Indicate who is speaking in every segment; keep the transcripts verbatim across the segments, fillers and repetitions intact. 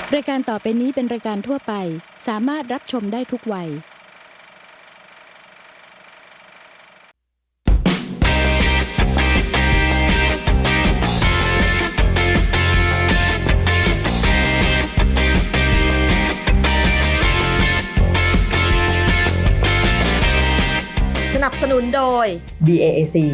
Speaker 1: รายการต่อไปนี้เป็นรายการทั่วไปสามารถรับชมได้ทุกวัย
Speaker 2: สนับสนุนโดย บี เอ เอ ซี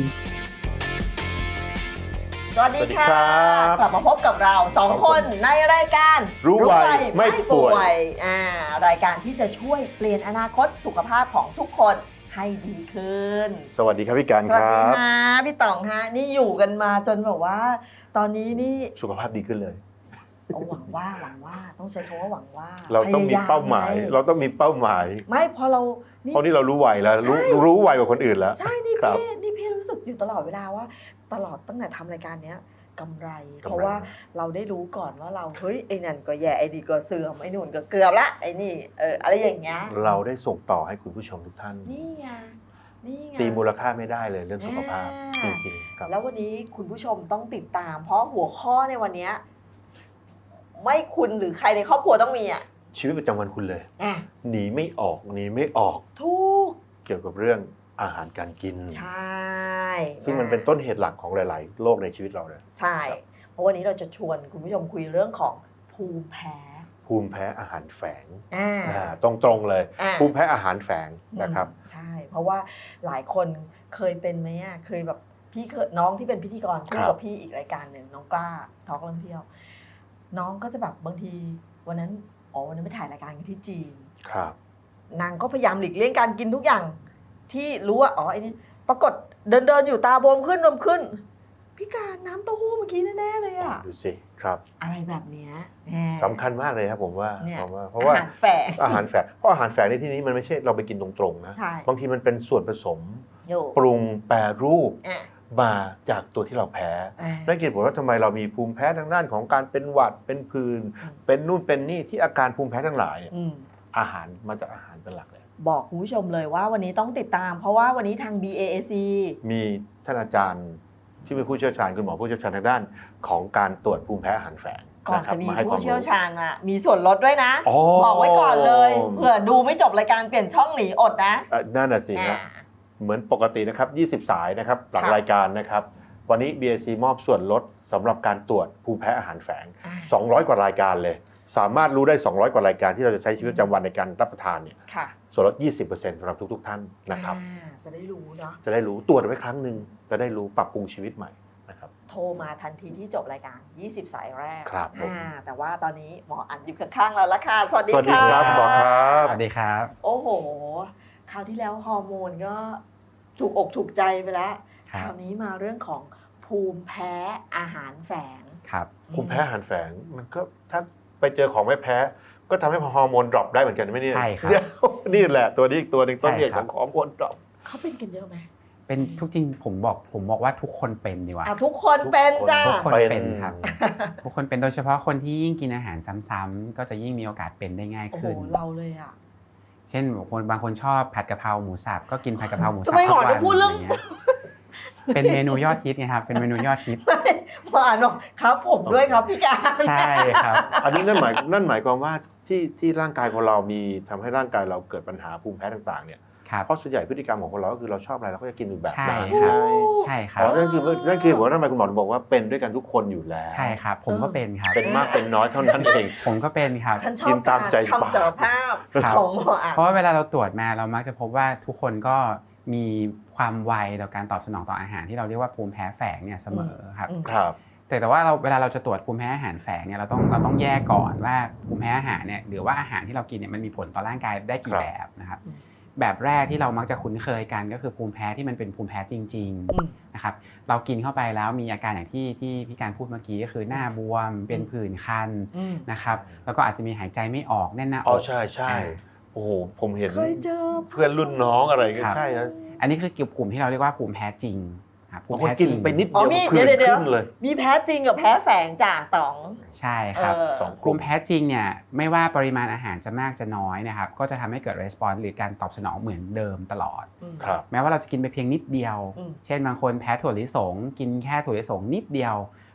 Speaker 2: สวัสดีค่ะ กลับมาพบกับเราสองคนในรายการ
Speaker 3: รู้ไวไม่ป่วย
Speaker 2: อ่ารายการที่จะช่วยเปลี่ยนอนาคตสุขภาพของทุกคนให้ดีขึ้น
Speaker 3: สวัสดีครับพี่การ
Speaker 2: ส
Speaker 3: ค
Speaker 2: วัส
Speaker 3: รั
Speaker 2: ดี
Speaker 3: บ
Speaker 2: ค่ะพี่ต่องฮะนี่อยู่กันมาจนแบบว่า ตอนนี้นี่
Speaker 3: สุขภาพดีขึ้นเลย
Speaker 2: เอาหวังว่าหวังว่าต้องใช้คำว่าหวังว่า
Speaker 3: เราต้องมีเป้าหมาย
Speaker 2: พย
Speaker 3: เราต้องมีเป้าหมาย
Speaker 2: ไม่พอเรา
Speaker 3: เพราะนี่เรารู้ไวแล้วรู้รู้ไวกว่าคนอื่นแล้ว
Speaker 2: ใช่นี่
Speaker 3: ครับ
Speaker 2: พี่นี่พี่รู้สึกอยู่ตลอดเวลาว่า ตลอดตั้งแต่ทำรายการเนี้ยกำไร
Speaker 3: กำไร
Speaker 2: เพราะว่าเราได้รู้ก่อนว่าเราเฮ้ยไอ้นั่นก็แย่ไอ้นี่ก็เสื่อมไอ้นู่นก็เกือบละไอ้นี่เอออะไรอย่างเงี้ย
Speaker 3: เราได้ส่งต่อให้คุณผู้ชมทุกท่าน
Speaker 2: นี่ไงนี่ไง
Speaker 3: ตีมูลค่าไม่ได้เลยเรื่องสุขภาพ
Speaker 2: อ่า
Speaker 3: จริงๆครับ
Speaker 2: แล้ววันนี้คุณผู้ชมต้องติดตาม เพราะหัวข้อในวันเนี้ยไม่คุณหรือใครในครอบครัวต้องมีอ่ะ
Speaker 3: ชีวิตประจำวันคุณเลย
Speaker 2: อ่ะ
Speaker 3: หนีไม่ออกหนีไม่ออก
Speaker 2: ทุก
Speaker 3: เกี่ยวกับเรื่องอาหารการกิน
Speaker 2: ใช่
Speaker 3: ซึ่งมันเป็นต้นเหตุหลักของหลาย ๆ โรคในชีวิตเราเลย
Speaker 2: ใช่ เพราะวันนี้เราจะชวนคุณผู้ชมคุยเรื่องของภูมิแพ้
Speaker 3: ภูมิแพ้อาหารแฝง
Speaker 2: อ่า
Speaker 3: อ่าตรงๆเลย
Speaker 2: อ่า
Speaker 3: ภูมิแพ้อาหารแฝงนะครับ
Speaker 2: อืมใช่ เพราะว่าหลายคนเคยเป็นไหมอ่ะเคยแบบพี่เคยน้องที่เป็นพิธีกรคู่
Speaker 3: ครั
Speaker 2: กับบ พี่อีกรายการหนึ่งน้องกล้าทอล์กเรื่องเที่ยว น้องก็จะแบบบางทีวันนั้นอ๋อวันนั้นไปถ่ายรายการกันที่จีน
Speaker 3: ครับ
Speaker 2: นางก็พยายามหลีกเลี่ยงการกินทุกอย่าง ที่รู้ว่าอ๋อไอ้นี่ปรากฏเดินเดินๆอยู่ตาบวมขึ้นบวมขึ้นพี่การน้ำเต้าหู้เมื่อกี้แน่ๆเลยอ่ะ
Speaker 3: ดูสิครับ
Speaker 2: อะไรแบบเนี้ยแหม
Speaker 3: สำคัญมากเลยครับผมว่า
Speaker 2: เนี่ย
Speaker 3: ผมว่าเพราะว่า
Speaker 2: อหารแฝง
Speaker 3: อาหารแฝงเพราะอาหารแฝงในที่นี้มันไม่ใช่เราไปกินตรงๆนะ
Speaker 2: ใช่
Speaker 3: บางทีมันเป็นส่วนผสม
Speaker 2: อยู่
Speaker 3: ปรุงแปรรูป
Speaker 2: อ่ะ
Speaker 3: มาจากตัวที่เราแพ้
Speaker 2: อ่ะ
Speaker 3: นั่นคือผลว่าทำไมเรามีภูมิแพ้ทางด้านของการเป็นหวัดเป็นผื่น
Speaker 2: อืม
Speaker 3: เป็นนู่นเป็นนี่ที่อาการภูมิแพ้ทั้งหลายเนี่ย
Speaker 2: อืม
Speaker 3: อาหารมาจากอาหารเป็นหลักเลย
Speaker 2: บอกคุณผู้ชมเลยว่าวันนี้ต้องติดตาม เพราะว่าวันนี้ทาง บี เอ เอ ซี
Speaker 3: มีท่านอาจารย์ที่เป็นผู้เชี่ยวชาญคุณหมอผู้เชี่ยวชาญทางด้านของการตรวจภูมิแพ้อาหารแฝง
Speaker 2: ก่อน
Speaker 3: ครั
Speaker 2: จะ
Speaker 3: บ
Speaker 2: มี
Speaker 3: มาให้ควา
Speaker 2: ผู้
Speaker 3: ม
Speaker 2: เชี่ยว
Speaker 3: รู้
Speaker 2: ชาญมามีส่วนลดด้วยนะ
Speaker 3: อ๋อ
Speaker 2: บอกไว้ก่อนเลยเผื่อดูไม่จบรายการเปลี่ยนช่องหนีอดนะ
Speaker 3: เอ่อนั่นน่ะสิ
Speaker 2: อ่า
Speaker 3: ฮะเหมือนปกตินะครับยี่สิบสายนะครับหลัง
Speaker 2: ค่ะ
Speaker 3: รายการนะครับวันนี้ บี เอ ซี มอบส่วนลดสำหรับการตรวจภูมิแพ้อาหารแฝง
Speaker 2: อ่ะ
Speaker 3: สองร้อยกว่ารายการเลย สามารถรู้ได้สองร้อยกว่ารายการที่เราจะใช้ชีวิตประจำวันในการรับประทานเนี่ย
Speaker 2: ค่ะ
Speaker 3: ส่วนลด ยี่สิบเปอร์เซ็นต์ สำหรับทุกๆท่านนะครับ
Speaker 2: อ่าจะได้รู้เนาะ
Speaker 3: จะได้รู้ตรวจไว้ครั้งหนึ่งจะได้รู้ปรับปรุงชีวิตใหม่นะครับ
Speaker 2: โทรมาทันทีที่จบรายการ ยี่สิบ สายแรก
Speaker 3: ครับผม
Speaker 2: อ่าแต่ว่าตอนนี้หมออันอยู่ข้างๆเราแล้วค่ะ สวัสดี
Speaker 3: สวัสดี
Speaker 2: ค่ะ
Speaker 3: ครับหมอครับ
Speaker 4: สวัสดีครับ
Speaker 2: โอ้โห คราวที่แล้วฮอร์โมนก็ถูกอกถูกใจไปแล้ว
Speaker 4: ครั
Speaker 2: ค
Speaker 4: บ
Speaker 2: ราวนี้มาเรื่องของภูมิแพ้อาหารแฝง
Speaker 4: ครับ
Speaker 3: ภูมิแพ้อาหารแฝงมันก็ถ้าไปเจอของไม่แพ้ ก็ทำให้ฮอร์โมนดรอปได้เหมือนกันไหมเนี่ย
Speaker 4: ใช่ครับ
Speaker 3: เดี๋ยวนี่แหละตัวนี้อีกตัวหนึ่งต้นเหตุ
Speaker 4: ใช่
Speaker 3: ข
Speaker 4: ครั
Speaker 3: อบ งฮอร์โมนดรอป
Speaker 2: เขาเป็นกันเยอะไหม
Speaker 4: เป็นทุกจริงผมบอกผมบอกว่าทุกคนเป็นดีกว่า
Speaker 2: อ่ะทุกคนเป็นจ้า
Speaker 4: ทุกคน
Speaker 3: เป็น
Speaker 4: เป็นครับ ทุกคนเป็นโดยเฉพาะคนที่ยิ่งกินอาหารซ้ำๆก็จะยิ่งมีโอกาสเป็นได้ง่าย
Speaker 2: โอ้โห
Speaker 4: ขึ้น
Speaker 2: เราเลยอ่ะ
Speaker 4: เช่นคนบางคนชอบผัดกะเพราหมูสับก็กินผัดกะเพราหมูสับ
Speaker 2: ทำไมหมอ
Speaker 4: ทุก
Speaker 2: ถึงพูดเรื่อง
Speaker 4: ะไงี้ยเป็นเมนูยอดฮิตไงครับเป็นเมนูยอดฮิต
Speaker 2: ไม่หมออ่านบอกครับผมด้วยครับพี่การ
Speaker 4: ใช่ครับ
Speaker 3: อันนี้นั่นหมายนั่นหมายความว่าที่ที่ร่างกายของเรามีทำให้ร่างกายเราเกิดปัญหาภูมิแพ้ต่างๆเนี่ย
Speaker 4: ครับ
Speaker 3: เพราะส่วนใหญ่พฤติกรรมของคนเราก็คือเราชอบอะไรเราก็จะกินอยู่แบบ
Speaker 4: ใช่
Speaker 3: นั้น
Speaker 4: ครับ
Speaker 3: ใช่
Speaker 4: ใช่ครั
Speaker 3: อ๋
Speaker 4: บ
Speaker 3: อนั่นคือนั่นคือผมว่าทำไมคุณหมอถึงบอกว่าเป็นด้วยกันทุกคนอยู่แล้ว
Speaker 4: ใช่ครับ ผมก็เป็นครับ
Speaker 3: เป็นมากเป็นน้อยเท่านั้นเอง
Speaker 4: ผมก็เป็นครับ
Speaker 2: ฉันชอ
Speaker 3: กิ
Speaker 2: บ
Speaker 3: นตามใจ
Speaker 2: การ
Speaker 3: ปาก
Speaker 2: คำสารภาพ
Speaker 4: ครับ
Speaker 2: ของหมออ่ะ
Speaker 4: เพราะว่าเวลาเราตรวจมาเรามักจะพบว่าทุกคนก็มีความไวต่อการตอบสนองต่ออาหารที่เราเรียกว่าภูมิแพ้แฝงเนี่ยเสมอครับ
Speaker 2: อืม
Speaker 3: ครับ
Speaker 4: แต่แต่ว่าเราเวลาเราจะตรวจภูมิแพ้อาหารแฝงเนี่ยเราต้องเราต้องแยกก่อนว่าภูมิแพ้อาหารเนี่ยหรือว่าอาหารที่เรากินเนี่ยมันมีผลต่อร่างกายได้กี่
Speaker 3: ครับ
Speaker 4: แบบนะครับ
Speaker 2: อืม
Speaker 4: แบบแรกที่เรามักจะคุ้นเคยกันก็คือภูมิแพ้ที่มันเป็นภูมิแพ้จริง
Speaker 2: อืม
Speaker 4: ๆนะครับเรากินเข้าไปแล้วมีอาการอย่างที่ที่พี่การพูดเมื่อกี้ก็คือหน้าบวมเป็นผื่นคัน
Speaker 2: อืม
Speaker 4: นะครับแล้วก็อาจจะมีหายใจไม่ออกแน่นหน้าอ
Speaker 3: อ๋อก ใช่ใช่
Speaker 4: อ่า
Speaker 3: โอ้โหผมเห็น
Speaker 2: เคยเจอ
Speaker 3: เพื่อนรุ่นน้องอะไรก็
Speaker 4: ครับ
Speaker 3: ใช่นะ
Speaker 4: อันนี้คือกลุ่มที่เราเรียกว่าภูมิแพ้จริงครับภู
Speaker 3: บาง
Speaker 4: มิ
Speaker 3: คน
Speaker 4: แพ้จ
Speaker 3: กิน
Speaker 4: ริง
Speaker 3: ไปนิด
Speaker 2: อ๋อ
Speaker 3: เดียว
Speaker 2: มี
Speaker 3: ผื่น
Speaker 2: เดี๋ยวเดี๋ยว
Speaker 3: ขึ้นเลย
Speaker 2: มีแพ้จริงกับแพ้แฝงจ้าต๋อง
Speaker 4: ใช่ครับ
Speaker 2: เออ
Speaker 3: สองก
Speaker 4: ภู
Speaker 3: ลุ่ม
Speaker 4: มิแพ้จริงเนี่ยไม่ว่าปริมาณอาหารจะมากจะน้อยนะครับก็จะทำให้เกิด response หรือการตอบสนองเหมือนเดิมตลอด
Speaker 2: อืม
Speaker 3: ครับ
Speaker 4: แม้ว่าเราจะกินไปเพียงนิดเดียว
Speaker 2: อืม
Speaker 4: เช่นบางคนแพ้ถั่วลิสงกินแค่ถั่วลิสงนิดเดียว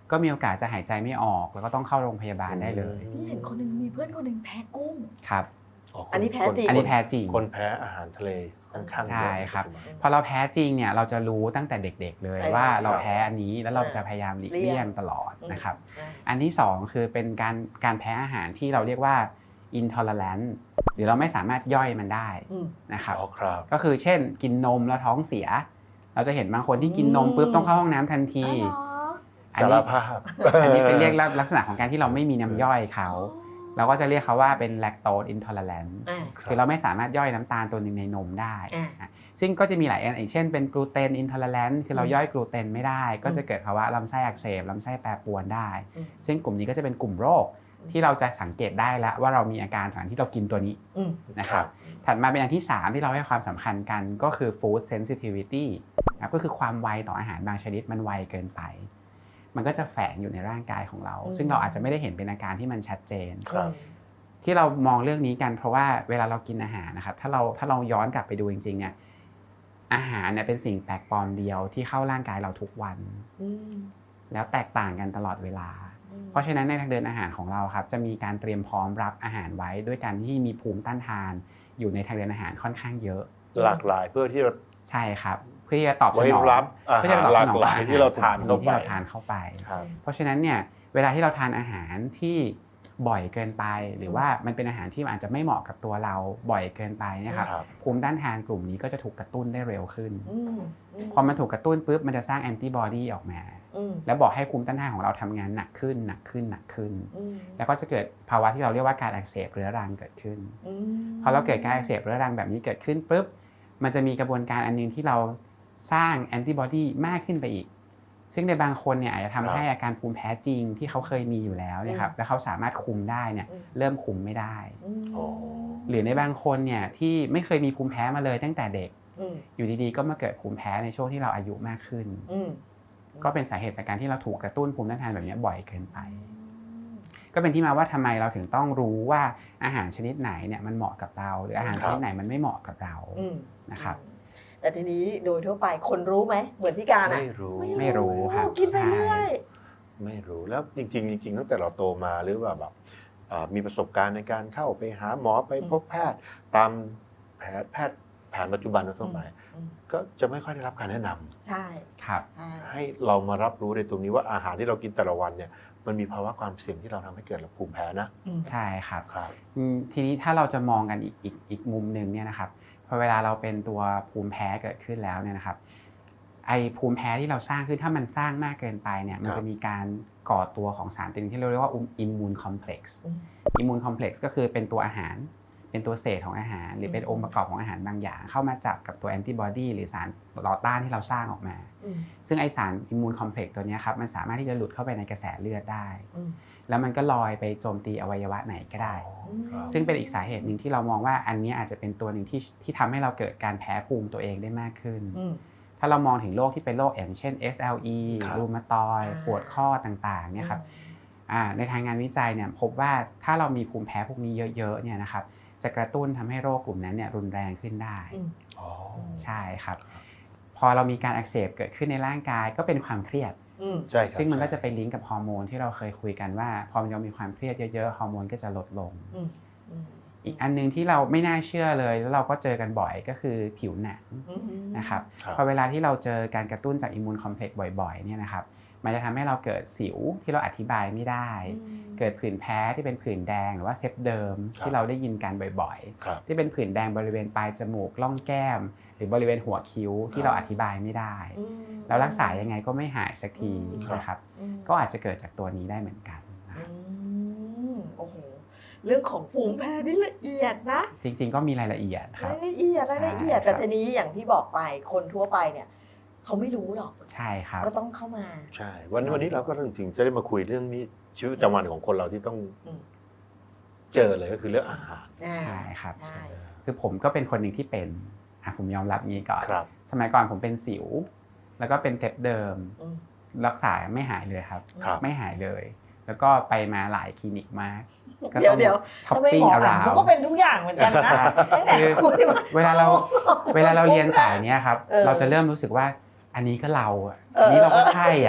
Speaker 4: ก็มีโอกาสจะหายใจไม่ออกแล้วก็ต้องเข้าโรงพยาบาลได้เลย
Speaker 2: พี่เห็นคนหนึ่งมีเพื่อนคนหนึ่งแพ้กุ้ง
Speaker 4: ครับ
Speaker 2: อันนี้แพ้จริง
Speaker 4: อันนี้แพ้จริง
Speaker 3: คนแพ้อาหารทะเลค่อนข้างเยอะ
Speaker 4: ใช่ครับพอเราแพ้จริงเนี่ยเราจะรู้ตั้งแต่เด็กๆเลย
Speaker 2: ใช่
Speaker 4: ว่า
Speaker 2: ครับ
Speaker 4: เราแพ้อันนี้แล้วเราจะพยายามหลีกเลี่ยงตลอดนะครับอันที่สองคือเป็นการการแพ้อาหารที่เราเรียกว่า intolerant หรือเราไม่สามารถย่อยมันได้นะครับ
Speaker 3: อ๋อครับ
Speaker 4: ก็คือเช่นกินนมแล้วท้องเสีย เราจะเห็นบางคนที่กินนมปุ๊บต้องเข้าห้องน้ำทันที อัน
Speaker 3: สาร
Speaker 4: นี้
Speaker 3: ภาพ
Speaker 4: อันนี้เป็นเรียกลักษณะของการที่เราไม่มีน้ำย่อยเขาเราก็จะเรียกเขาว่าเป็น lactose intolerant คือเราไม่สามารถย่อยน้ำตาลตัวหนึงในนมได้ซึ่งก็จะมีหลายอันอย่างเช่นเป็น gluten intolerant คือเราย่อยกลูเตนไม่ได้ก็จะเกิดภาวะลำไส้อักเสบลำไส้แปรปรวนได้ซึ่งกลุ่มนี้ก็จะเป็นกลุ่มโรคที่เราจะสังเกตได้แล้วว่าเรามีอาการหลังที่เรากินตัวนี้นะครับถัดมาเป็นอันที่สามที่เราให้ความสำคัญกันก็คือ food sensitivity นะก็คือความไวต่ออาหารบางชนิดมันไวเกินไปมันก็จะแฝงอยู่ในร่างกายของเราซึ่งเราอาจจะไม่ได้เห็นเป็นอาการที่มันชัดเจนที่เรามองเรื่องนี้กันเพราะว่าเวลาเรากินอาหารนะครับถ้าเราถ้าเราย้อนกลับไปดูจริงๆเนี่ยอาหารเนี่ยเป็นสิ่งแปลกปลอมเดียวที่เข้าร่างกายเราทุกวันแล้วแตกต่างกันตลอดเวลาเพราะฉะนั้นในทางเดินอาหารของเราครับจะมีการเตรียมพร้อมรับอาหารไว้ด้วยการที่มีภูมิต้านทานอยู่ในทางเดินอาหารค่อนข้างเยอะ
Speaker 3: หลากหลายเพื่อที่จะ
Speaker 4: ใช่ครับเพื่อที่จะตอบสนอง
Speaker 3: รับอาหารหลากหลายที่เราทานเข้าไป
Speaker 4: ที่เราทานเข้าไปเพราะฉะนั้นเนี่ยเวลาที่เราทานอาหารที่บ่อยเกินไปหรือว่ามันเป็นอาหารที่อาจจะไม่เหมาะกับตัวเราบ่อยเกินไปนะครับภูมิต้านทานกลุ่มนี้ก็จะถูกกระตุ้นได้เร็วขึ้นพอมันถูกกระตุ้นปุ๊บมันจะสร้างแอนติบอดีออกมาแล้วบอกให้ภูมิต้านทานของเราทำงานหนักขึ้นหนักขึ้นหนักขึ้นแล้วก็จะเกิดภาวะที่เราเรียกว่าการอักเสบเรื้อรังเกิดขึ้นพอเราเกิดการอักเสบเรื้อรังแบบนี้เกิดขึ้นปุ๊บมันจะมีกระบวนการอันนึงที่เราสร้างแอนติบอดีมากขึ้นไปอีกซึ่งในบางคนเนี่ยอาจจะทำให้อาการภูมิแพ้จริงที่เขาเคยมีอยู่แล้วเนี่ยครับแล้วเขาสามารถคุมได้เนี่ยเริ่มคุมไม่ได้หรือในบางคนเนี่ยที่ไม่เคยมีภูมิแพ้มาเลยตั้งแต่เด็กอยู่ดีๆก็มาเกิดภูมิแพ้ในช่วงที่เราอายุมากขึ้นก็เป็นสาเหตุจากการที่เราถูกกระตุ้นภูมิต้านทานแบบนี้บ่อยเกินไปก็เป็นที่มาว่าทำไมเราถึงต้องรู้ว่าอาหารชนิดไหนเนี่ยมันเหมาะกับเราหรืออาหารชนิดไหนมันไม่เหมาะกับเรานะครับ
Speaker 2: แต่ทีนี้โดยทั่วไปคนรู้ไหมเหมือนพี่การอ่ะ
Speaker 3: ไม่รู้
Speaker 4: ไม่รู้ครับ
Speaker 2: กินไปเรื่อย
Speaker 3: ไม่รู้แล้วจริงๆจริงๆตั้งแต่เราโตมาหรือว่าแบบมีประสบการณ์ในการเข้าไปหาหมอไปพบแพทย์ตามแพทย์แพทย์แผนปัจจุบันทั่วไปก็จะไม่ค่อยได้รับการแนะนำ
Speaker 2: ใช่
Speaker 4: ครับ
Speaker 3: ให้เรามารับรู้ในตรงนี้ว่าอาหารที่เรากินแต่ละวันเนี่ยมันมีภาวะความเสี่ยงที่เราทำให้เกิดภูมิแพ้นะ
Speaker 4: ใช่ครับ
Speaker 3: ครับ
Speaker 4: ทีนี้ถ้าเราจะมองกันอีกอีกอีกมุมนึงเนี่ยนะครับพอเวลาเราเป็นตัวภูมิแพ้เกิดขึ้นแล้วเนี่ยนะครับไอภูมิแพ้ที่เราสร้างขึ้นถ้ามันสร้างมากเกินไปเนี่ยมันจะมีการก่อตัวของสารตัวนึงที่เราเรียกว่าอิมมูนคอมเพล็กซ์อิมมูนคอมเพล็กซ์ก็คือเป็นตัวอาหารเป็นตัวเศษของอาหารหรือเป็นองค์ประกอบของอาหารบางอย่างเข้ามาจับกับตัวแอนติบอดีหรือสารต่อต้านที่เราสร้างออกมาซึ่งไอสารอิมมูนคอมเพล็กซ์ตัวนี้ครับมันสามารถที่จะหลุดเข้าไปในกระแสเลือดได้แล้วมันก็ลอยไปโจมตีอวัยวะไหนก็ได้ซึ่งเป็นอีกสาเหตุหนึ่งที่เรามองว่าอันนี้อาจจะเป็นตัวหนึ่งที่ที่ทำให้เราเกิดการแพ้ภูมิตัวเองได้มากขึ้นถ้าเรามองถึงโรคที่เป็นโรคอย่างเช่น เอส แอล อี รูมาตอยด์ปวดข้อต่างๆเนี่ยครับในทางงานวิจัยเนี่ยพบว่าถ้าเรามีภูมิแพ้พวกนี้เยอะๆเนี่ยนะครับจะกระตุ้นทำให้โรคกลุ่มนั้นเนี่ยรุนแรงขึ้นได้ใช่ครับพอเรามีการอักเสบเกิดขึ้นในร่างกายก็เป็นความเครียดซึ่งมันก็จะไปลิงก์กับฮอร์โมนที่เราเคยคุยกันว่าพอเรามีความเครียดเยอะๆฮอร์โมนก็จะลดลงอีกอันนึงที่เราไม่น่าเชื่อเลยแล้วเราก็เจอกันบ่อยก็คือผิวหนังนะครับพอเวลาที่เราเจอการกระตุ้นจากอิมมูนคอมเพล็กซ์บ่อยๆเนี่ยนะครับมันจะทำให้เราเกิดสิวที่เราอธิบายไม่ได้เกิดผื่นแพ้ที่เป็นผื่นแดงหรือว่าเซฟเดิมที่เราได้ยินกันบ่อยๆที่เป็นผื่นแดงบริเวณปลายจมูกล่องแก้มหรือบริเวณหัวคิ้วที่เราอธิบายไม่ได้แล้วรักษายังไงก็ไม่หายสักทีนะครับก็อาจจะเกิดจากตัวนี้ได้เหมือนกัน
Speaker 2: โอ้โหเรื่องของภูมิแพ้นี่ละเอียดนะ
Speaker 4: จริงๆก็มีรายละเอียดครับ
Speaker 2: รายละเอียดรายละเอียดแต่ทีนี้อย่างที่บอกไปคนทั่วไปเนี่ยเขาไม่รู้หรอก
Speaker 4: ใช่ครับ
Speaker 2: ก็ต้องเข้ามา
Speaker 3: ใช่วันนี้วันนี้เราก็จริงๆจะได้มาคุยเรื่องนี้ชีวิตประจำวันของคนเราที่ต้องเจอเลยก็คือเรื่องอาหาร
Speaker 4: ใช่ครับคือผมก็เป็นคนหนึ่งที่เป็นอ่ะผมยอมรับงี้ก่อนสมัยก่อนผมเป็นสิวแล้วก็เป็นเทปเดิมรักษาไม่หายเลยครับไม่หายเลยแล้วก็ไปมาหลายคลินิกมาก
Speaker 2: เดี๋ยวเดี๋ยวช้อปปิ้งอาราเขาก็เป็นทุกอย่างเหมือนกันนะ
Speaker 4: เวลาเราเวลาเราเรียนสายเนี้ยครับเราจะเริ่มรู้สึกว่าอันนี้ก็เราอันนี้เราก็ใช่อ่ะ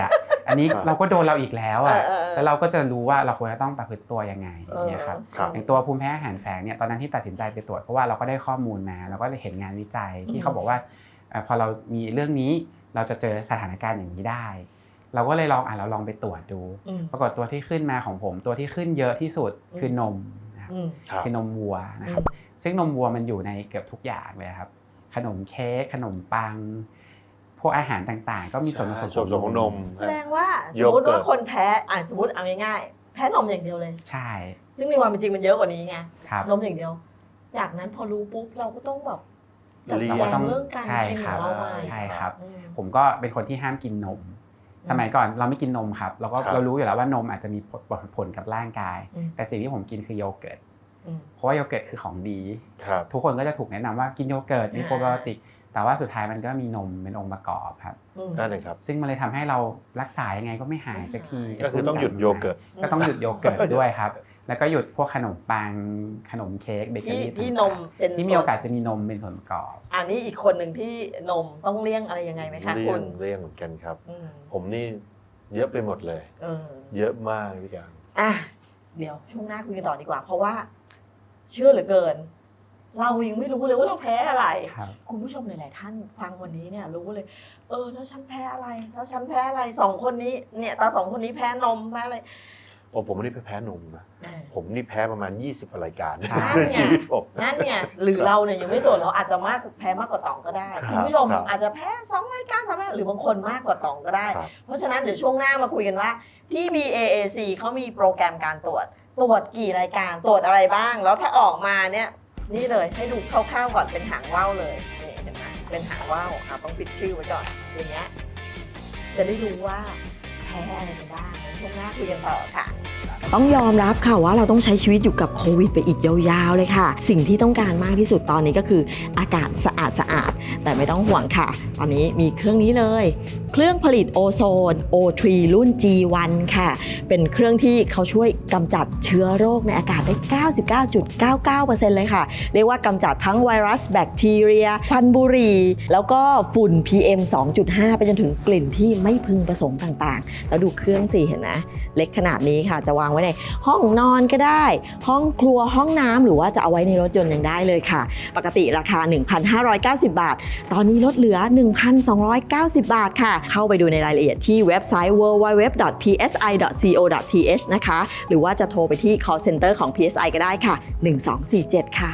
Speaker 4: อันนี้เราก็โดนเราอีกแล้วอ่ะ
Speaker 2: เออเออ
Speaker 4: แล้วเราก็จะรู้ว่าเราควรจะต้องประพฤติตัวยังไงอย่างเงี้ยครับ
Speaker 3: ครับ
Speaker 4: อย่างตัวภูมิแพ้อาหารแฝงเนี่ยตอนนั้นที่ตัดสินใจไปตรวจเพราะว่าเราก็ได้ข้อมูลมาเราก็เห็นงานวิจัยที่เขาบอกว่าเอ่อพอเรามีเรื่องนี้เราจะเจอสถานการณ์อย่างนี้ได้ เราก็เลยลองอ่ะเราลองไปตรวจดู
Speaker 2: อืม
Speaker 4: ปรากฏตัวที่ขึ้นมาของผมตัวที่ขึ้นเยอะที่สุดคือนมนะครับ
Speaker 2: อืม
Speaker 3: ครับ
Speaker 4: คือนมวัวนะครับซึ่งนมวัวมันอยู่ในเกือบทุกอย่างเลยครับขนมเค้กขนมปังพวกอาหารต่างๆ ก็มีส่วนผสม
Speaker 3: ส่วนผสมของนม
Speaker 2: แสดงว่าส
Speaker 3: โย
Speaker 2: มมติ
Speaker 3: เกิร์
Speaker 2: ว่า
Speaker 3: ต
Speaker 2: คนแพ้อ่ะสมมติเอาง่ายๆแพ้นมอย่างเดียวเลย
Speaker 4: ใช่
Speaker 2: ซึ่งในความเป็นจริงมันเยอะกว่านี้ไง
Speaker 4: ครับ
Speaker 2: นมอย่างเดียว จากนั้นพอรู้ปุ๊บเราก็ต้องแบบจัด
Speaker 3: เรียน
Speaker 2: การเรื่องการ
Speaker 4: ใช่
Speaker 2: กิน
Speaker 4: ค
Speaker 2: ข
Speaker 4: รั
Speaker 2: อบ งเราใหม่
Speaker 4: ใช่ครับ
Speaker 2: อืม
Speaker 4: ผมก็เป็นคนที่ห้ามกินนม สมัยก่อนเราไม่กินนมครับเราก็
Speaker 3: ครับ
Speaker 4: เรารู้อยู่แล้วว่านมอาจจะมีผลผลกับร่างกาย
Speaker 2: อืม
Speaker 4: แต่สิ่งที่ผมกินคือโยเกิร์ต
Speaker 2: อืม
Speaker 4: เพราะว่าโยเกิร์ตคือของดี
Speaker 3: ครับ
Speaker 4: ทุกคนก็จะถูกแนะนำว่ากินโยเกิร์ตมี
Speaker 2: อ่า
Speaker 4: โปรไบโอติกแต่ว่าสุดท้ายมันก็มีนมเป็นองค์ประกอบครับ
Speaker 2: อืม
Speaker 3: นั่นเองครับ
Speaker 4: ซึ่งมันเลยทำให้เรารักษายังไงก็ไม่หายสักที
Speaker 3: ก็คือต้องหยุดโยเกิร์ต
Speaker 4: ก็ต้องหยุดโยเกิร์ตด้วยครับ แล้วก็หยุดพวกขนมปังขนมเค้กเบเกอ
Speaker 2: ที่
Speaker 4: รี่
Speaker 2: ที่น
Speaker 4: ต่าง
Speaker 2: มเป็น
Speaker 4: ๆที่มีโอกาสจะมีนมเป็นส่วนประกอบ
Speaker 2: อันนี้อีกคนหนึ่งที่นมต้องเลี่ยงอะไรยังไงไหมคะ
Speaker 3: เลี่
Speaker 2: คุ
Speaker 3: ย
Speaker 2: ณ
Speaker 3: งเลี่ยงเหมือนกันครับ
Speaker 2: อืม
Speaker 3: ผมนี่เยอะไปหมดเลย
Speaker 2: เออ
Speaker 3: เยอะมากพี่การ
Speaker 2: อ่ะเดี๋ยวช่วงหน้าคุยกันต่อดีกว่า เพราะว่า เชื่อเหลือเกิน เรายังไม่รู้เลยว่าเราแพ้อะไร
Speaker 4: ครับ
Speaker 2: คุณผู้ชมหลายๆท่านฟังวันนี้เนี่ยรู้เลย เออแล้วฉันแพ้อะไร แล้วฉันแพ้อะไรสองคนนี้เนี่ยตาสองคนนี้แพ้นมแพ้อะไร
Speaker 3: โอ้ผมไม่ได้ไปแพ้นมนะ
Speaker 2: เออ
Speaker 3: ผมนี่แพ้ประมาณยี่สิบรายการ
Speaker 4: ใช่
Speaker 3: ในชีวิตผม
Speaker 2: นั่นไงหรือเราเนี่ยยังไม่ตรวจเราอาจจะมากแพ้มากกว่าตองก็ได้
Speaker 3: ครับ
Speaker 2: คุณผู้ชม
Speaker 3: ครับ
Speaker 2: อาจจะแพ้สองรายการสามรายการหรือบางคนมากกว่าตองก็ได้
Speaker 3: ครับ
Speaker 2: เพราะฉะนั้นเดี๋ยวช่วงหน้ามาคุยกันว่าที่ บี เอ เอ ซี เขามีโปรแกรมการตรวจ ตรวจกี่รายการตรวจอะไรบ้าง แล้วถ้าออกมาเนี่ยนี่เลยให้ดูคร่าวๆก่อนเป็นหางว่าวเลยนี่เห็นไหมเป็นหางว่าวอ่ะต้องปิดชื่อไว้ก่อนอย่างเงี้ยจะได้รู้ว่าแพ้อะไรกันบ้างช่วงหน้าคุยกันต่อค่ะ ต้องยอมรับค่ะว่าเราต้องใช้ชีวิตอยู่กับโควิดไปอีกยาวๆเลยค่ะ สิ่งที่ต้องการมากที่สุดตอนนี้ก็คืออากาศสะอาดสะอาดๆแต่ไม่ต้องห่วงค่ะ ตอนนี้มีเครื่องนี้เลย เครื่องผลิตโอโซน โอ ทรี รุ่น จี วัน ค่ะ เป็นเครื่องที่เขาช่วยกำจัดเชื้อโรคในอากาศได้ เก้าสิบเก้าจุดเก้าเก้าเปอร์เซ็นต์ เลยค่ะ เรียกว่ากำจัดทั้งไวรัสแบคทีเรียควันบุหรี่ แล้วก็ฝุ่น พี เอ็ม สองจุดห้า ไปจนถึงกลิ่นที่ไม่พึงประสงค์ต่างๆ แล้วดูเครื่องสิเห็นไหมเล็กขนาดนี้ค่ะจะวางไว้ในห้องนอนก็ได้ ห้องครัวห้องน้ำหรือว่าจะเอาไว้ในรถยนต์ยังได้เลยค่ะ ปกติราคา หนึ่งพันห้าร้อยเก้าสิบ บาท ตอนนี้ลดเหลือ หนึ่งพันสองร้อยเก้าสิบ บาทค่ะ เข้าไปดูในรายละเอียดที่เว็บไซต์ ดับเบิลยู ดับเบิลยู ดับเบิลยู ดอท พี เอส ไอ ดอท ซี โอ ดอท ที เอช นะคะ หรือว่าจะโทรไปที่ call center ของ พี เอส ไอ ก็ได้ค่ะ หนึ่งสองสี่เจ็ด ค่ะ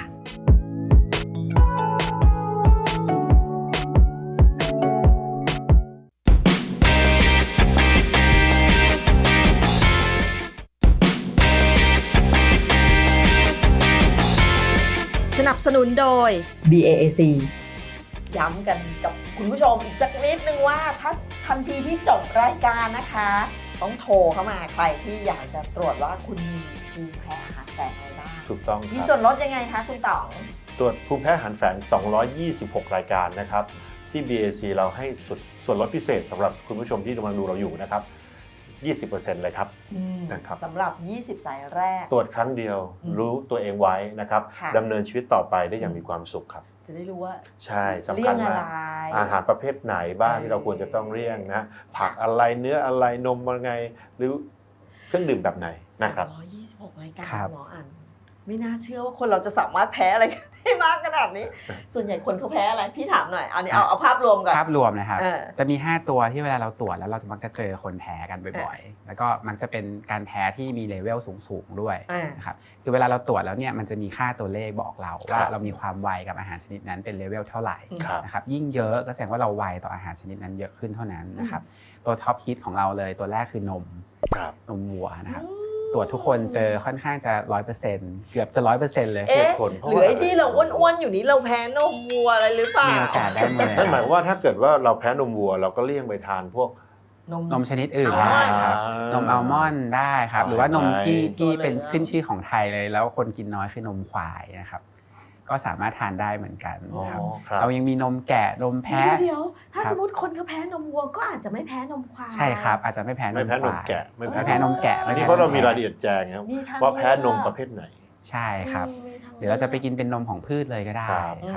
Speaker 2: สนับสนุนโดย บี เอ เอ ซี ย้ำกันกับคุณผู้ชมอีกสักนิดนึงว่าถ้าทันทีที่จบรายการนะคะ ต้องโทรเข้ามาใครที่อยากจะตรวจว่าคุณมีภูมิแพ้อาหารแฝงอะไรบ้าง
Speaker 3: ถูกต้องค
Speaker 2: มี
Speaker 3: รับ
Speaker 2: ส่วนลดยังไงคะคุณต๋อง
Speaker 3: ตรวจภูมิแพ้อาหารแฝงสองร้อยยี่สิบหกรายการนะครับที่ บี เอ ซี เราให้ส่วนส่วนลดพิเศษสำหรับคุณผู้ชมที่กำลังดูเราอยู่นะครับ ยี่สิบเปอร์เซ็นต์ เลยครับ นะครับ
Speaker 2: สำหรับ ยี่สิบ สายแรก
Speaker 3: ตรวจครั้งเดียว
Speaker 2: อืม
Speaker 3: รู้ตัวเองไว้นะครับ
Speaker 2: ค่ะ
Speaker 3: ดำเนินชีวิตต่อไปได้อย่างมีความสุขครับ
Speaker 2: จะได้รู้ว่า
Speaker 3: ใช่สำ
Speaker 2: เลี่
Speaker 3: คั
Speaker 2: ย
Speaker 3: ญ
Speaker 2: งอะ
Speaker 3: มาก
Speaker 2: ไร
Speaker 3: อาหารประเภทไหนบ้างที่เราควรจะต้องเลี่ยงนะผักอะไรเนื้ออะไรนมอะไรไง หรือเครื่องดื่มแบบไหนนะครับ
Speaker 2: สามร้อยยี่สิบหกรายการ
Speaker 4: ครับ
Speaker 2: หมออันไม่น่าเชื่อว่าคนเราจะสามารถแพ้อะไรได้มากขนาดนี้ ส่วนใหญ่คนเขาแพ้อะไรพี่ถามหน่อยเอานี้เอาเอาภาพรวมก่อน
Speaker 4: ภาพรวมนะครับ
Speaker 2: เออ
Speaker 4: จะมีห้าตัวที่เวลาเราตรวจแล้วเราจะมักจะเจอคนแพ้กันบ่อยๆ แล้วก็มักจะเป็นการแพ้ที่มีเลเวลสูงๆด้วย
Speaker 2: อ่า
Speaker 4: นะครับคือเวลาเราตรวจแล้วเนี่ยมันจะมีค่าตัวเลขบอกเราว่า
Speaker 3: ครับ
Speaker 4: เรามีความไวกับอาหารชนิดนั้นเป็นเลเวลเท่าไหร่
Speaker 3: ครับ
Speaker 4: นะครับยิ่งเยอะก็แสดงว่าเราไวต่ออาหารชนิดนั้นเยอะขึ้นเท่านั้นนะครับตัวท็อปฮิตของเราเลยตัวแรกคือนม
Speaker 3: ครับ
Speaker 4: นมวัวนะครับตรวจทุกคนเจอค่อนข้างจะร้อยเปอร์เซ็นต์เกือบจะร้อยเปอร์เซ็นต์เลย
Speaker 2: เอ๊ะ
Speaker 3: ผลเพราะ
Speaker 2: หรือ
Speaker 3: ว่า
Speaker 2: ไอ้ที่เราอ้วนๆอยู่นี้เราแพ้นมวัวอะไรหรือเปล่า
Speaker 4: มีโอกาสได้หมดเลย
Speaker 3: นั่นหมายความว่าถ้าเกิดว่าเราแพ้นมวัว เราก็เลี่ยงไปทานพวก
Speaker 4: นมชนิดอื่น
Speaker 2: อ่า
Speaker 4: ได้ครับนมอัลมอนด์ได้ครับหรือว่านมที่
Speaker 3: ได้
Speaker 4: ที่เป็น
Speaker 2: ตัวเลยนะ
Speaker 4: ขึ้นชื่อของไทยเลย แล้วคนกินน้อยคือนมควายนะครับก็สามารถทานได้เหมือนกัน
Speaker 3: อ๋อ
Speaker 4: นะครับ
Speaker 3: ครับ
Speaker 4: เรายังมีนมแกะนมแพะ
Speaker 2: เดี๋ยวๆถ้า
Speaker 4: ครับ
Speaker 2: สมมติคนเขาแพ้นมวัวก็อาจจะไม่แพ้นมควาย
Speaker 4: ใช่ครับอาจจะไม่แพ้น
Speaker 3: ไม่
Speaker 4: ม
Speaker 3: แพ้
Speaker 4: คน
Speaker 3: ม
Speaker 4: วาย
Speaker 3: แกะไม่
Speaker 4: ไม่
Speaker 3: แพ้
Speaker 4: แพ้นมแกะ
Speaker 3: อัน
Speaker 4: ไม่
Speaker 3: นี้
Speaker 4: แพ้
Speaker 3: เพราะเรามี
Speaker 4: นม
Speaker 3: ราย
Speaker 4: แกะ
Speaker 3: ละเอียดแจ้งครับ
Speaker 2: มีทาง
Speaker 3: ว่าแพ้นม
Speaker 2: เลือก
Speaker 3: ประเภทไหน
Speaker 4: ใช่ครับ
Speaker 2: อืมมีทาง
Speaker 4: หรือเราจะไปกินเป็นนมของพืชเลยก็ได้
Speaker 3: ครับ
Speaker 4: ครับ
Speaker 2: อืม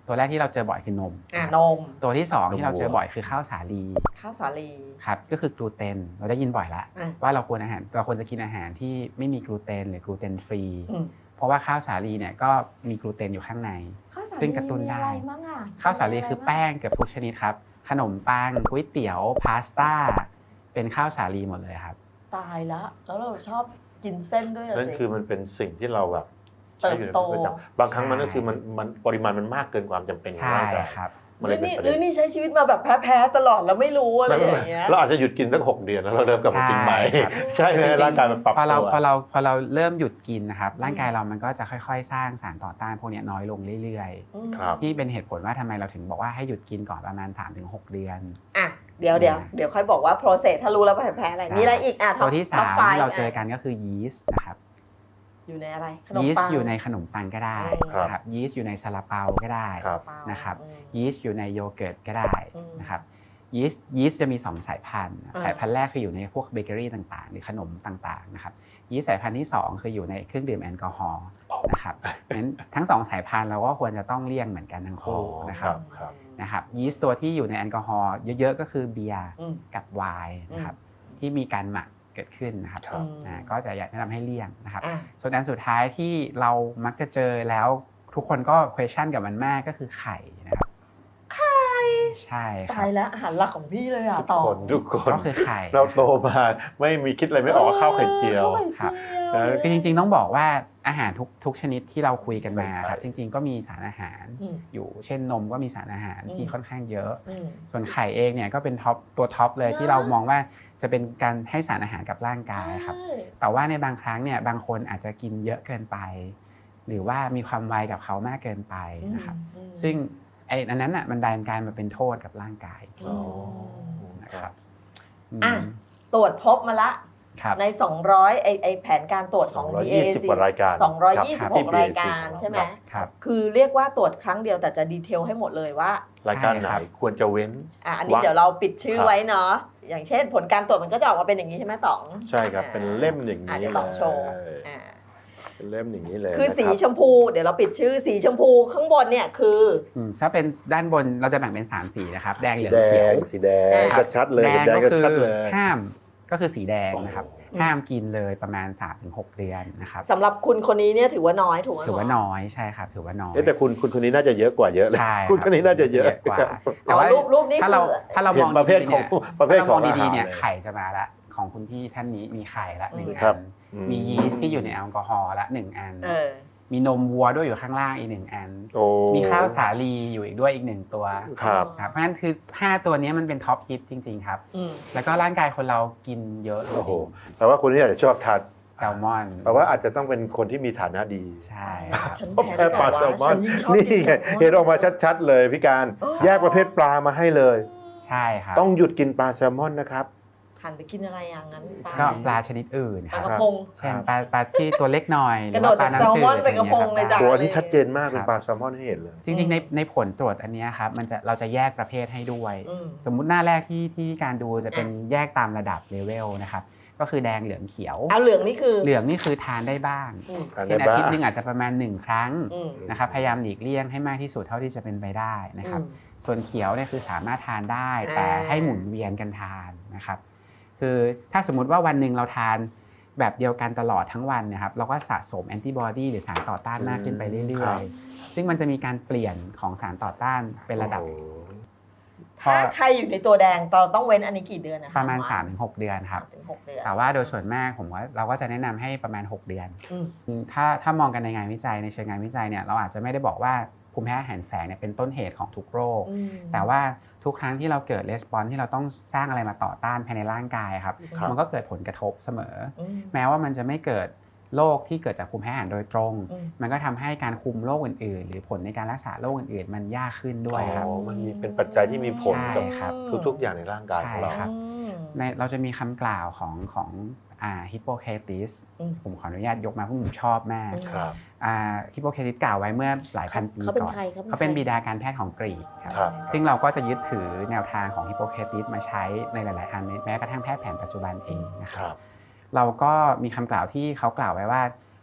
Speaker 4: ตัวแรกที่เราเจอบ่อยคือนม
Speaker 2: อ่านม
Speaker 4: ตัวที่สอง
Speaker 3: นม
Speaker 4: ที่เราเจอ
Speaker 3: วัว
Speaker 4: บ่อยคือข้าวสาลี
Speaker 2: ข้าวสาลี
Speaker 4: ครับก็คือกลูเตนเราได้ยินบ่อยละ
Speaker 2: อ่ะ
Speaker 4: ว่าเราควรอาหารเราควรจะกินอาหารที่ไม่มีกลูเตนหรือกลูเตนฟรี
Speaker 2: อืม
Speaker 4: เพราะว่าข้าวสาลีเนี่ยก็มีกลูเตนอยู่ข้างใน
Speaker 2: ข้าวสาลี
Speaker 4: ซึ่งกระตุ้นได้
Speaker 2: มีอะไรบ้างอะ
Speaker 4: ข้าวสาลีคือแป้งเกือบทุกชนิดครับขนมปังก๋วยเตี๋ยวพาสต้าเป็นข้าวสาลีหมดเลยครับ
Speaker 2: ตายละแล้วเราชอบกินเส้นด้วยอะ
Speaker 3: นั่น
Speaker 2: สิ
Speaker 3: คือมันเป็นสิ่งที่เราแบบ
Speaker 2: เติบโต
Speaker 3: ใช้อยู่ในชีวิตประจำบางครั้งมันก็คือมันมันปริมาณมันมากเกินความจำเป็นของ
Speaker 4: ใช่
Speaker 3: ร่างกาย
Speaker 4: ครับ
Speaker 2: ห
Speaker 3: มัน
Speaker 2: รื
Speaker 3: เลย
Speaker 2: อ
Speaker 3: เป็น
Speaker 2: นี่
Speaker 3: ประเด็น
Speaker 2: หรือนี่ใช้ชีวิตมาแบบแพ้ๆตลอดแล้วไม่รู้อะไร
Speaker 3: ไม่
Speaker 2: อ
Speaker 3: ไม่
Speaker 2: ย่างเงี้ย
Speaker 3: เราอาจจะหยุดกินสักหกเดือนแล้วเราเริ่มกลับมากินใหม่
Speaker 4: ใช่ครับ
Speaker 3: ใช่ไหมร่างกายมันปรับ
Speaker 4: พอเรา
Speaker 3: ตัว
Speaker 4: พอเราพอเราเริ่มหยุดกินนะครับร่างกายเรามันก็จะค่อยๆ สร้างสารต่อต้านพวกนี้น้อยลงเรื่อย
Speaker 2: อืม
Speaker 3: ครับ
Speaker 4: ๆที่เป็นเหตุผลว่าทำไมเราถึงบอกว่าให้หยุดกินก่อนประมาณ สามถึงหก เดือน
Speaker 2: อ่ะเดี๋ยวเดี๋ยวเดี๋ยวค่อยบอกว่า process ถ้ารู้แล้วแพ้ๆอะไรมีอะไรอีกอ่ะ
Speaker 4: ตัวที่
Speaker 2: ท็อป
Speaker 4: สาม
Speaker 2: ไฟว์
Speaker 4: ที่เราเจอกันก็คือยีสต์นะครับ
Speaker 2: อยู่ในอะไรขนม
Speaker 4: ยีส
Speaker 2: ปั
Speaker 4: ต์
Speaker 2: ง
Speaker 4: อยู่ในขนมปังก็ได้
Speaker 3: ครับ
Speaker 4: นะครับยีสต์อยู่ในซาลาเปาก็ได้
Speaker 3: ครับ
Speaker 4: นะครับ
Speaker 2: อืม
Speaker 4: ยีสต์อยู่ในโยเกิร์ตก็ได้
Speaker 2: อืม
Speaker 4: นะครับยีสต์ยีสต์จะมีสองสายพันธุ์
Speaker 2: อ่า
Speaker 4: สายพันธุ์แรกคืออยู่ในพวกเบเกอรี่ต่างๆ หรือขนมต่างๆนะครับยีสต์สายพันธุ์ที่สองคืออยู่ในเครื่องดื่มแอลกอฮอล์นะครับงั้นทั้งสองสายพันธุ์เราก็ควรจะต้องเลี่ยงเหมือนกันทั้งคู่นะครับ
Speaker 3: ครับ
Speaker 4: นะครับยีสต์ตัวที่อยู่ในแอลกอฮอล์เยอะๆก็คือเบียร์
Speaker 2: อืม
Speaker 4: กับไวน์นะครับที่มีการหมักเกิดขึ้นนะครับ
Speaker 3: ครับ
Speaker 4: อ่าก็จะอยากแนะนำให้เลี่ยงนะครับ
Speaker 2: อ่ะ
Speaker 4: ส่วนอันสุดท้ายที่เรามักจะเจอแล้วทุกคนก็ question กับมันมากก็คือไข่นะครับไข่ใช่ค
Speaker 2: ตา
Speaker 4: รับ
Speaker 2: ยแล้วอาหารหลักของพี่เลยอ่ะ
Speaker 3: ทุก
Speaker 2: ต่อ
Speaker 3: คนทุกคน
Speaker 4: ก็คือไข่
Speaker 3: เราโตมาไม่มีคิดอะไรไม่ออกว่าข้าวไข่เจียว
Speaker 2: ข้าวไข่เจียว
Speaker 3: เออ
Speaker 4: คือจริงๆต้องบอกว่าอาหารทุกทุกชนิดที่เราคุยกันมา
Speaker 3: ใช่
Speaker 4: ครับจริงๆก็มีสารอาหาร
Speaker 2: อืม
Speaker 4: อยู่เช่นนมก็มีสารอาหารที่
Speaker 2: อืม
Speaker 4: ค่อนข้างเยอะ
Speaker 2: อืม
Speaker 4: ส่วนไข่เองเนี่ยก็เป็นท็อปตัวท็อปเลยที่เรามองว่าจะเป็นการให้สารอาหารกับร่างกายครับ
Speaker 2: ใช่
Speaker 4: แต่ว่าในบางครั้งเนี่ยบางคนอาจจะกินเยอะเกินไป หรือว่ามีความไวกับเขามากเกินไปนะครับ
Speaker 2: อืม
Speaker 4: ซึ่งไอ้อันนั้นอ่ะมันดันการมาเป็นโทษกับร่างกาย
Speaker 2: อืม
Speaker 4: นะครับ
Speaker 2: อ่ะ
Speaker 4: อืม
Speaker 2: ตรวจพบมาละ
Speaker 4: ครับ
Speaker 2: ใน สองร้อย ไอไอแผนการตรวจของ
Speaker 3: สองร้อยยี่สิบ
Speaker 2: บี
Speaker 3: กว่ารายการ
Speaker 2: สองร้อยยี่สิบ
Speaker 3: ครับ
Speaker 2: ห
Speaker 3: ที่
Speaker 2: ก
Speaker 3: บี
Speaker 2: รา
Speaker 3: เอย ซี
Speaker 2: การ
Speaker 3: ของเรา
Speaker 2: ใช่ไหม
Speaker 4: ครับ
Speaker 2: คือเรียกว่าตรวจครั้งเดียวแต่จะดีเทลให้หมดเลยว่า
Speaker 3: รายการไหน
Speaker 4: ใช่ครับ
Speaker 3: ควรจะเว้น
Speaker 2: อ่ะอันนี้
Speaker 3: ว่า
Speaker 2: เดี๋ยวเราปิดชื่อ
Speaker 3: ครับ
Speaker 2: ไว้เนาะอย่างเช่น ผลการตรวจมันก็จะออกมาเป็นอย่างนี้ใช่ไหมต๋อง
Speaker 3: ใช่ครับ
Speaker 2: อ่า
Speaker 3: เป็นเล่มอย่าง
Speaker 2: อ่ะ
Speaker 3: นี้
Speaker 2: เดี๋ยว
Speaker 3: เล
Speaker 2: ต๋องโชว์
Speaker 3: ย
Speaker 2: อ่า
Speaker 3: เป็นเล่มอย่างนี้เลย
Speaker 2: คือสี
Speaker 3: นะ
Speaker 2: ช
Speaker 3: รับ
Speaker 2: มพู เดี๋ยวเราปิดชื่อสีชมพูข้างบนเนี่ยคือ
Speaker 4: อืมถ้าเป็นด้านบนเราจะแบ่งเป็นสามสีนะครับแดงเห
Speaker 3: สี
Speaker 4: ลือง
Speaker 3: แด
Speaker 4: เขียว
Speaker 3: งสีแดง
Speaker 2: อ่า
Speaker 3: ก็ชัดเลย
Speaker 4: แด
Speaker 3: เห็น
Speaker 4: ง
Speaker 3: แดง
Speaker 4: ก็
Speaker 3: ก็
Speaker 4: คือ
Speaker 3: ชัดเลย
Speaker 4: ห้ามก็คือสีแดงนะครับ
Speaker 3: โอ้
Speaker 4: ห้ามกินเลยประมาณ สามถึงหก เดือนนะครับ
Speaker 2: สำหรับคุณคนนี้เนี่ยถือว่าน้อยถูกไหม
Speaker 4: ถือว่า
Speaker 2: หม
Speaker 4: น้อยใช่ครับถือว่าน้อย
Speaker 3: เอ๊ะแต่คุณคุณคนนี้น่าจะเยอะกว่าเยอะเลย
Speaker 4: ใช่
Speaker 3: คุณคนนี้น่าจะเยอะ
Speaker 4: กว่า
Speaker 2: อ๋อรูปรูปนี้
Speaker 4: ถ้าเรา
Speaker 2: คือ
Speaker 4: ถ้าเรา
Speaker 3: เห็
Speaker 4: ม
Speaker 3: น
Speaker 4: อง
Speaker 3: ประเภท
Speaker 4: ดีๆ
Speaker 3: ของ
Speaker 4: เนี่ย
Speaker 3: ประเภท
Speaker 4: ถ้า
Speaker 3: ข
Speaker 4: เรา
Speaker 3: อ
Speaker 4: มอง ง
Speaker 3: อาหาร
Speaker 4: ดีๆเนี่ย
Speaker 3: เลย
Speaker 4: ไข่จะมาละของคุณพี่ท่านนี้มีไข่ละหนึ่ง
Speaker 3: ครั
Speaker 4: อั
Speaker 3: บ
Speaker 4: น
Speaker 3: อืม
Speaker 4: มียีสต์ที่อยู่ในแอลกอฮอล์ละหนึ่งอัน
Speaker 2: เออ
Speaker 4: มีนมวัวด้วยอยู่ข้างล่างอีกหนึ่งอัน
Speaker 3: โอ้
Speaker 4: มีข้าวสาลีอยู่อีกด้วยอีกหนึ่งตัว
Speaker 3: ครับ
Speaker 4: ครับเพราะฉะนั้นคือห้าตัวนี้มันเป็นท็อปฮิตจริงๆครับ
Speaker 2: อืม
Speaker 4: แล้วก็ร่างกายคนเรากินเยอะจ
Speaker 3: โอ้โห
Speaker 4: ริง
Speaker 3: แปลว่าคนนี้อาจจะชอบทาน
Speaker 4: ๆแซลมอน
Speaker 3: แปลว่าอาจจะต้องเป็นคนที่มีฐานะดี
Speaker 4: ใช่
Speaker 2: ฉัน
Speaker 3: เพราะ
Speaker 2: แพ้
Speaker 3: แพ้ปลาแซลมอน
Speaker 2: ฉัยิ่งชอบ
Speaker 3: นี่
Speaker 2: กิ
Speaker 3: ไง
Speaker 2: แซลมอน
Speaker 3: เห็นออกมาชัดๆเลยพี่การ
Speaker 2: อ๋อ
Speaker 3: แยกประเภทปลามาให้เลย
Speaker 4: ใช่ครับ
Speaker 3: ต้องหยุดกินปลาแซลมอนนะครับ
Speaker 2: หันไปกินอะไรอย่างนั้น
Speaker 4: ก็ปลาชนิดอื่น
Speaker 2: ป
Speaker 4: ค
Speaker 2: ลา
Speaker 4: รับ
Speaker 2: กระพง
Speaker 4: เช่นปลาปลาที่ตัวเล็กหน่อยห
Speaker 2: ก
Speaker 4: รื
Speaker 2: ระ
Speaker 4: อ
Speaker 2: โดด
Speaker 4: ว่าปลา
Speaker 2: จากแซล
Speaker 4: น้ำจื
Speaker 2: มอน
Speaker 4: ด
Speaker 2: ไปกระพงเลยจ้ะ
Speaker 3: ตัวอันนี้ชัดเจนมากเป็นปลาแซลมอนให้เห็นเลย
Speaker 4: จริงๆในในผลตรวจอันเนี้ยครับมันจะเราจะแยกประเภทให้ด้วย
Speaker 2: อืม
Speaker 4: สมมุติหน้าแรกที่ที่การดูจะเป็นแยกตามระดับเลเวลนะครับก็คือแดงเหลืองเขียว
Speaker 2: เอาเหลืองนี่คือ
Speaker 4: เหลืองนี่คือทานได้บ้าง
Speaker 2: อืม
Speaker 3: ทานได้
Speaker 4: เช่นอา
Speaker 3: บ้าง
Speaker 4: ทิตย์หนึงอาจจะประมาณหนึ่งครั้ง
Speaker 2: อืม
Speaker 4: นะครับพยายามหลีกเลี่ยงให้มากที่สุดเท่าที่จะเป็นไปได้นะครับ
Speaker 2: อืม
Speaker 4: ส่วนเขียวเนี่ยคือสามารถทานได้
Speaker 2: อ่า
Speaker 4: แต่ให้หมุนเวียนกันทานนะครับคือถ้าสมมุติว่าวันหนึ่งเราทานแบบเดียวกันตลอดทั้งวันนะครับเราก็สะสมแอนติบอดีหรือสารต่อต้านมากขึ้นไปเรื่อยๆซึ่งมันจะมีการเปลี่ยนของสารต่อต้านเป็นระดับ
Speaker 3: โอ้โห
Speaker 2: ถ้าใครอยู่ในตัวแดงเราต้องเว้นอันนี้กี่เดือนนะคะ
Speaker 4: ประมาณ สามถึงหก เดือนครับ
Speaker 2: สามถึงหกเดือน
Speaker 4: แต่ว่าโดยส่วนมากผมว่าเราก็จะแนะนำให้ประมาณ หก เดือน
Speaker 2: อืม
Speaker 4: ถ้าถ้ามองกันในงานวิจัยในเชิงงานวิจัยเนี่ยเราอาจจะไม่ได้บอกว่าภูมิแพ้อาหารแฝงเนี่ยเป็นต้นเหตุของทุกโรค
Speaker 2: อืม
Speaker 4: แต่ว่าทุกครั้งที่เราเกิดレスปอนส์ที่เราต้องสร้างอะไรมาต่อต้านภายในร่างกายครับ
Speaker 3: ครับ
Speaker 4: มันก็เกิดผลกระทบเสมอ
Speaker 2: อืม
Speaker 4: แม้ว่ามันจะไม่เกิดโรคที่เกิดจากภูมิแพ้อาหารโดยตรง
Speaker 2: อืม
Speaker 4: มันก็ทำให้การคุมโรคอื่นๆ หรือผลในการรักษาโรคอื่นๆ มันยากขึ้นด้วยครับ
Speaker 3: อ๋อมันมีเป็นปัจจัยที่มีผล
Speaker 4: ใช่
Speaker 3: กับ
Speaker 4: ครับ
Speaker 3: ทุกๆอย่างในร่างกายของเรา
Speaker 4: ใช่ครับ
Speaker 2: อืม
Speaker 4: ในเราจะมีคำกล่าวของของอ่าฮิปโปเคติส
Speaker 2: อืม
Speaker 4: ผมขออนุญาตยกมาเพราะผมชอบมาก
Speaker 2: อืม
Speaker 3: ครับ
Speaker 4: อ่าฮิปโปเคติสกล่าวไว้เมื่อหลายพันปี
Speaker 2: เขาเป็น
Speaker 4: ก่อน
Speaker 2: ใครเขาเป็น
Speaker 4: เขาเป็น
Speaker 2: ใคร
Speaker 4: บิดาการแพทย์ของกรีกครับ
Speaker 3: ครับ
Speaker 4: ซึ่งเราก็จะยึดถือแนวทางของฮิปโปเคติสมาใช้ในหลายๆอันแม้กระทั่งแพทย์แผนปัจจุบันเองนะค
Speaker 3: ครับ รับ
Speaker 4: เราก็มีคำกล่าวที่เขากล่าวไว้ว่า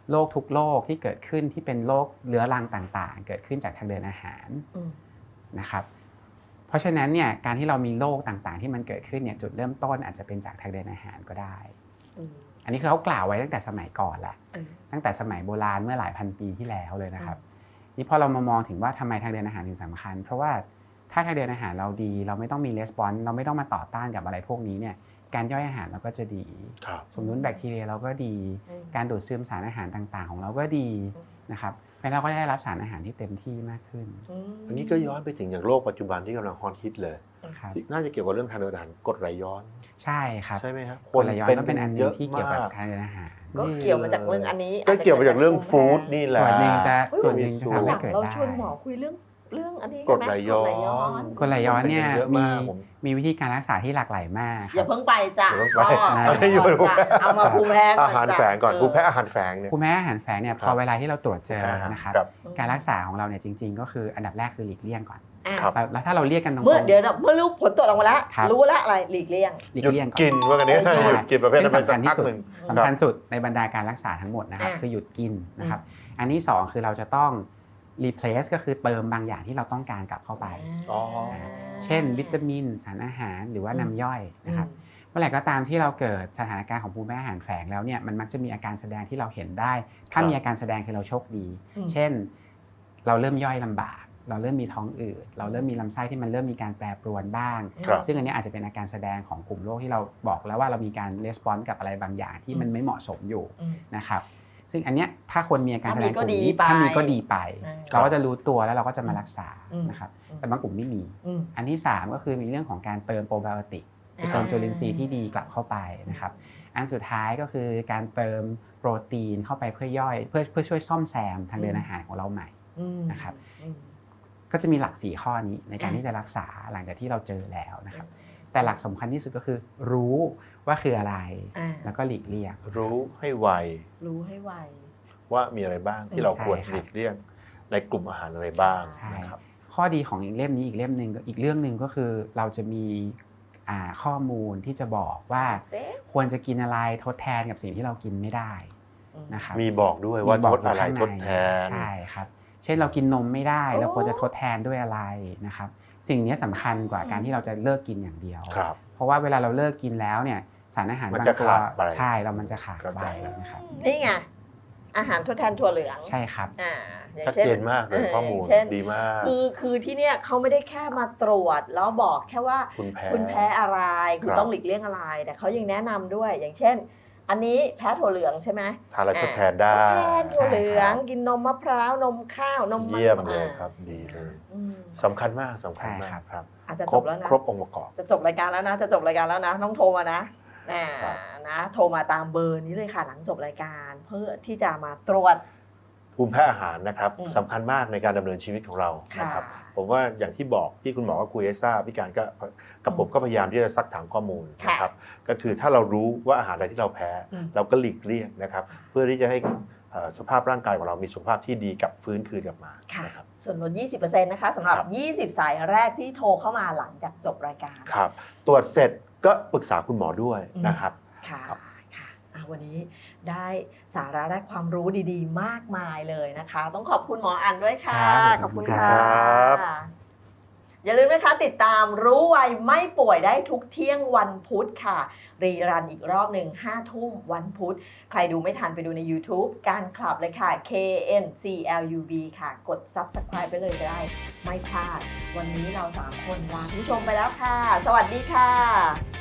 Speaker 4: โรคทุกโรคที่เกิดขึ้นที่เป็นโรคเรื้อรังต่างๆ เกิดขึ้นจากทางเดินอาหารนะครับเพราะฉะนั้นเนี่ยการที่เรามีโรคต่างๆที่มันเกิดขึ้นเนี่ยจุดเริ่มต้นอาจจะเป็นจากทางเดินอาหารก็ได้อันนี้คือเขากล่าวไว้ตั้งแต่สมัยก่อนแหละตั้งแต่สมัยโบราณเมื่อหลายพันปีที่แล้วเลยนะครับนี่พอเรามามองถึงว่าทำไมทางเดินอาหารถึงสำคัญเพราะว่าถ้าทางเดินอาหารเราดีเราไม่ต้องมีレスปอนส์เราไม่ต้องมาต่อต้านกับอะไรพวกนี้เนี่ยการย่อยอาหารเราก็จะดีสมดุลแบคทีเรียเราก็ดีการดูดซึมสารอาหารต่างๆของเราก็ดีนะครับแล้วเราก็ได้รับสารอาหารที่เต็มที่มากขึ้น
Speaker 3: อันนี้ก็ย้อนไปถึงอย่างโลกปัจจุบันที่กำลังฮอตฮิตเลยน่าจะเกี่ยวกับเรื่องทางเดินอาหารกรดไหลย้อน
Speaker 4: ใช่ครับ
Speaker 3: ใช่ไหมครับ
Speaker 4: กรดไหลย้อนก็เป็นอันนึงที่เกี่ยวกับทางเดินอาหาร
Speaker 2: ก็เกี่ยวมาจากเรื่องอันนี้
Speaker 3: ก็เกี่ยวมาจากเรื่องฟู้ดนี่แหละ
Speaker 4: ส่วนหนึ่งจะส่วนหนึ่งจะทำให้เกิดได้
Speaker 2: เราชวนหมอคุยเรื่องเรื่องอันนี้
Speaker 3: กรดไหลย้อน
Speaker 4: กรดไหลย้อนเนี่ยมีมีวิธีการรักษาที่หลากหลายมาก
Speaker 2: อย่าเพิ่งไปจ้ะเอามาภูมิแพ้
Speaker 3: อาหารแฝงก่อนภูมิแพ้อาหารแฝงเนี่ย
Speaker 4: ภูมิแพ้อาหารแฝงเนี่ยพอเวลาที่เราตรวจเจอนะครับการรักษาของเราเนี่ยจริงๆก็คืออันดับแรกคือหลีกเลี่ยงก่อนแล้วถ้าเราเรียกกันตรงๆ
Speaker 2: เมื่อเดี๋ยวเมื่อรู้ผลตรวจออกมาแล้วรู้แล้วอะไรหลีกเลี่ยง
Speaker 4: หลีกเลี่ยงก่อน
Speaker 3: กินว่ากันนี้หยุดกินประเภท
Speaker 4: สำคัญที่สุดสำคัญสุดในบรรดาการรักษาทั้งหมดนะครับคือหยุดกินนะครับอันที่สองคือเราจะต้องreplace ก็คือเติมบางอย่างที่เราต้องการกลับเข้าไปเช่นวิตามินสารอาหารหรือว่าน้ำย่อยนะครับเมื่อไหร่ก็ตามที่เราเกิดสถานการณ์ของภูมิแพ้อาหารแฝงแล้วเนี่ยมันมักจะมีอาการแสดงที่เราเห็นได้ถ้ามีอาการแสดงคือเราโชคดีเช่นเราเริ่มย่อยลำบากเราเริ่มมีท้องอืดเราเริ่มมีลำไส้ที่มันเริ่มมีการแปรปรวนบ้างซึ่งอันนี้อาจจะเป็นอาการแสดงของกลุ่มโรคที่เราบอกแล้วว่าเรามีการรีสปอนส์กับอะไรบางอย่างที่มันไม่เหมาะสมอยู่นะครับซึ่งอันเนี้ยถ้าคนมีอาการแสดงกลุ่มนี้ถ้ามีก็ดีไปเราก็จะรู้ตัวแล้วเราก็จะมารักษานะครับแต่บางกลุ่มไม่มีอันที่สามก็คือมีเรื่องของการเติมโปรไบโอติกเติมจุลินทรีย์ที่ดีกลับเข้าไปนะครับอันสุดท้ายก็คือการเติมโปรตีนเข้าไปเพื่อย่อยเพื่อเพื่อช่วยซ่อมแซมทางเดินอาหารของเราใหม่นะครับก็จะมีหลักสี่ข้อนี้ในการที่จะรักษาหลังจากที่เราเจอแล้วนะครับแต่หลักสำคัญที่สุดก็คือรู้ว่าคืออะไรแล้วก็หลีกเลี่ยง
Speaker 3: รู้ให้ไว
Speaker 2: รู้ให้ไว
Speaker 3: ว่ามีอะไรบ้างที่เราควรหลีกเลี่ยงในกลุ่มอาหารอะไรบ้างนะครับ
Speaker 4: ข้อดีของอีกเล่มนี้อีกเล่มหนึ่งอีกเรื่องหนึ่งก็คือเราจะมีข้อมูลที่จะบอกว่าควรจะกินอะไรทดแทนกับสิ่งที่เรากินไม่ได้นะครับ
Speaker 3: มีบอกด้วยว่าทดอะไรทดแทน
Speaker 4: ใช่ครับเช่นเรากินนมไม่ได้เราควรจะทดแทนด้วยอะไรนะครับสิ่งนี้สำคัญกว่าการที่เราจะเลิกกินอย่างเดียวเพราะว่าเวลาเราเลิกกินแล้วเนี่ยสารอาหารบางตัวใช่เรามันจะขาดไปนะครับ
Speaker 2: นี่ไงอาหารทดแทนถั่วเหลือง
Speaker 4: ใช่ครับ
Speaker 3: ชัดเจนมากเลยข้อมูลดีมาก
Speaker 2: คือคือที่เนี่ยเขาไม่ได้แค่มาตรวจแล้วบอกแค่ว่าคุณแพ้อะไรคุณต้องหลีกเลี่ยงอะไรแต่เขายังแนะนำด้วยอย่างเช่นอันนี้แพ้ถั่วเหลืองใช่ไหม
Speaker 3: ทานอะไรทดแทนได้
Speaker 2: ทดแทนถั่วเหลืองกินนมมะพร้าวนมข้าวนม
Speaker 3: มันเยี่ยมเลยครับดีเลยสำคัญมากสำคัญมากครับ
Speaker 2: อาจจะจบแล้วนะ
Speaker 3: ครบองค์ประกอบ
Speaker 2: จะจบรายการแล้วนะจะจบรายการแล้วนะต้องโทรมานะนะโทรมาตามเบอร์นี้เลยค่ะหลังจบรายการเพื่อที่จะมาตรวจ
Speaker 3: ภูมิแพ้อาหารนะครับสำคัญมากในการดำเนินชีวิตของเรานะครับผมว่าอย่างที่บอกที่คุณหมอก็คุยให้ทราบพี่การก็กับผมก็พยายามที่จะซักถามข้อมูลนะครับก็คือถ้าเรารู้ว่าอาหารอะไรที่เราแพ้เราก็หลีกเลี่ยงนะครับเพื่อที่จะให้สภาพร่างกายของเรามีสุขภาพที่ดีกลับฟื้นคืนกลับมา
Speaker 2: ครับส่วนลด ยี่สิบเปอร์เซ็นต์ นะคะสำหรับยี่สิบสายแรกที่โทรเข้ามาหลังจากจบรายการ
Speaker 3: ครับตรวจเสร็จก็ปรึกษาคุณหมอด้วยนะครับ
Speaker 2: ค่ะค่ะวันนี้ได้สาระและความรู้ดีๆมากมายเลยนะคะต้องขอบคุณหมออันด้วยค่ะขอบคุณค่ะอย่าลืมนะคะติดตามรู้ไวไม่ป่วยได้ทุกเที่ยงวันพุธค่ะรีรันอีกรอบหนึ่งห้าทุ่มวันพุธใครดูไม่ทันไปดูใน YouTube การคลับเลยค่ะ เค เอ็น ซี แอล ยู บี ค่ะกด Subscribe ไปเลยได้ไม่พลาดวันนี้เราสามคนลาผู้ชมไปแล้วค่ะสวัสดีค่ะ